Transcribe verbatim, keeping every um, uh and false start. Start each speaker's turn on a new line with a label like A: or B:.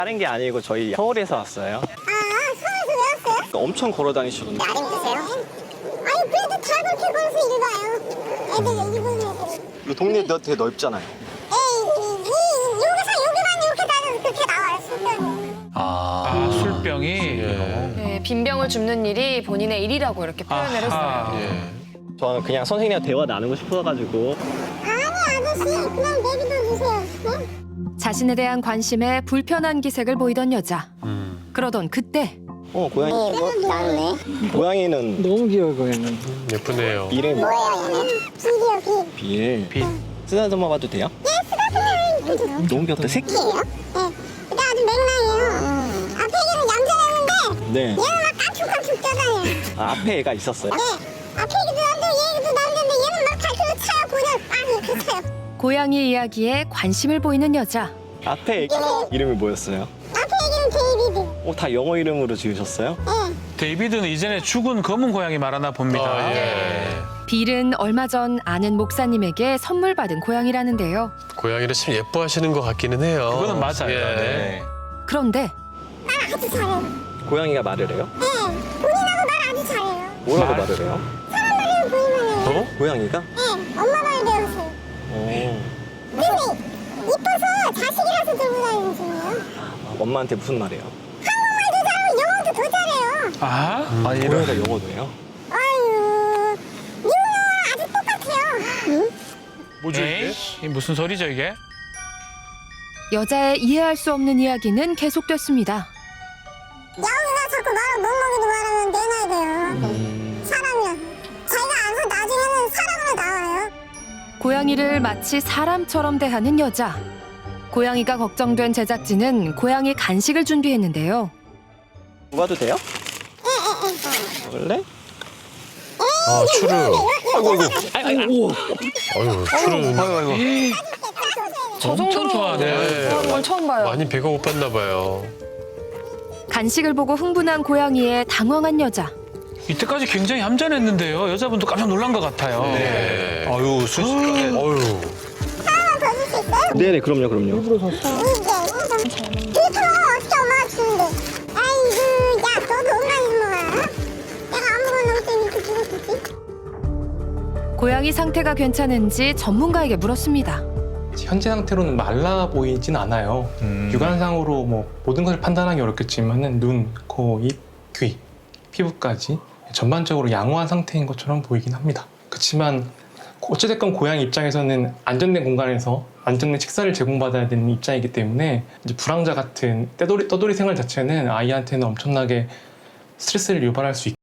A: 다른 게 아니고 저희 서울에서 왔어요.
B: 아, 서울에서 왜 왔어요?
A: 엄청 걸어 다니시던데.
B: 나름 드세요? 아니, 그래도 다 그렇게 걸어서 일 가요. 애들, 일본 애들.
A: 이 동네 너 되게 넓잖아요.
B: 에이, 이, 이, 여기서 여기만 이렇게 다녀도 그렇게 나와요, 술병이.
C: 아,
D: 아, 술병이.
C: 예.
E: 네, 빈병을 줍는 일이 본인의 일이라고 이렇게 표현을
D: 아하.
E: 했어요.
C: 예.
A: 저는 그냥 선생님이랑 대화 나누고 싶어가지고.
B: 아니, 아저씨, 그냥 내비둬 주세요. 네?
E: 자신에 대한 관심에 불편한 기색을 보이던 여자.
C: 음.
E: 그러던 그때
A: 어, 고양이.
B: 뭐, 나네.
A: 고양이는
F: 너무 귀여워 고양이.
C: 예쁘네요.
A: 이름이
B: 뭐예요, 얘는? 비디오, 비.
A: 빌.
D: 빛.
A: 쓰다듬어 봐도 돼요?
B: 예, 쓰다듬어요.
A: 너무 귀엽다. 새끼.
B: 새끼예요? 예. 근데 아주 맹랑해요. 앞에 얘는 얌전했는데,
A: 네.
B: 얘는 막 깡충깡충 뛰어다녀요.
A: 아, 앞에 애가 있었어요?
B: 네. 앞에 얘기도 안 되고 얘기도 남는데 얘는 막 발표를 차요. 그냥 막 이렇게 차요.
E: 고양이 이야기에 관심을 보이는 여자.
A: 앞에 애기 이름이 뭐였어요?
B: 앞에 얘기는 데이비드.
A: 어, 다 영어 이름으로 지으셨어요?
B: 예.
D: 데이비드는 이전에 죽은 검은 고양이 말하나 봅니다.
C: 아, 예.
E: 빌은 얼마 전 아는 목사님에게 선물 받은 고양이라는데요.
C: 고양이를 참 예뻐하시는 것 같기는 해요.
D: 그거는 맞아요.
C: 예.
D: 네.
E: 그런데
B: 말 아주 잘해요.
A: 고양이가 말을 해요?
B: 예. 본인하고 말 아주 잘해요.
A: 뭐라고
D: 말?
A: 말을 해요?
B: 사람 말이랑 본인 말이에요.
C: 어?
A: 고양이가?
B: 예. 엄마 말 배우세요.
A: 어.
B: 근데 이뻐서 자식이라서 들고 다니는 중이에요.
A: 엄마한테 무슨 말이에요?
B: 한국말도 잘하고 영어도 더 잘해요.
D: 아,
C: 음.
D: 아
A: 고양이가 영어도 해요?
B: 아유, 미국 영어랑 아주 똑같아요. 응?
D: 뭐죠 이게? 이 무슨 소리죠 이게?
E: 여자의 이해할 수 없는 이야기는 계속됐습니다.
B: 야옹이가 자꾸 말을 멍멍이도 말하면 내놔야 돼요. 사람이야. 자기가 알아서 나중에는 사람으로 나와요.
E: 고양이를 마치 사람처럼 대하는 여자. 고양이가 걱정된 제작진은 고양이 간식을 준비했는데요.
A: 먹어도 돼요? 원래?
C: 아, 추르. 아이고, 아이고. 어휴, 추르는
E: 저
D: 엄청
E: 정도로
D: 좋아하네.
E: 좋아하는 건 처음 봐요.
C: 많이 배가 고팠나 봐요.
E: 간식을 보고 흥분한 고양이에 당황한 여자.
D: 이때까지 굉장히 얌전했는데요. 여자분도 깜짝 놀란 것 같아요.
C: 네.
D: 아유, 순식간에.
C: 어휴.
B: 하나만 더 줄 수 있어요?
A: 네네, 그럼요, 그럼요.
B: 이게 그렇다면 어떻게 엄마가 주는데? 아이고, 야, 너도 엄마니 먹어라. 내가 안 먹어놓을 때 이렇게 주고 싶지?
E: 고양이 상태가 괜찮은지 전문가에게 물었습니다.
F: 현재 상태로는 말라 보이진 않아요. 육안상으로 뭐 모든 것을 판단하기 어렵겠지만은 눈, 코, 입, 귀, 피부까지 전반적으로 양호한 상태인 것처럼 보이긴 합니다. 그렇지만 어찌됐건 고양이 입장에서는 안전된 공간에서 안전된 식사를 제공받아야 되는 입장이기 때문에 이제 불황자 같은 떼돌이, 떠돌이 생활 자체는 아이한테는 엄청나게 스트레스를 유발할 수 있고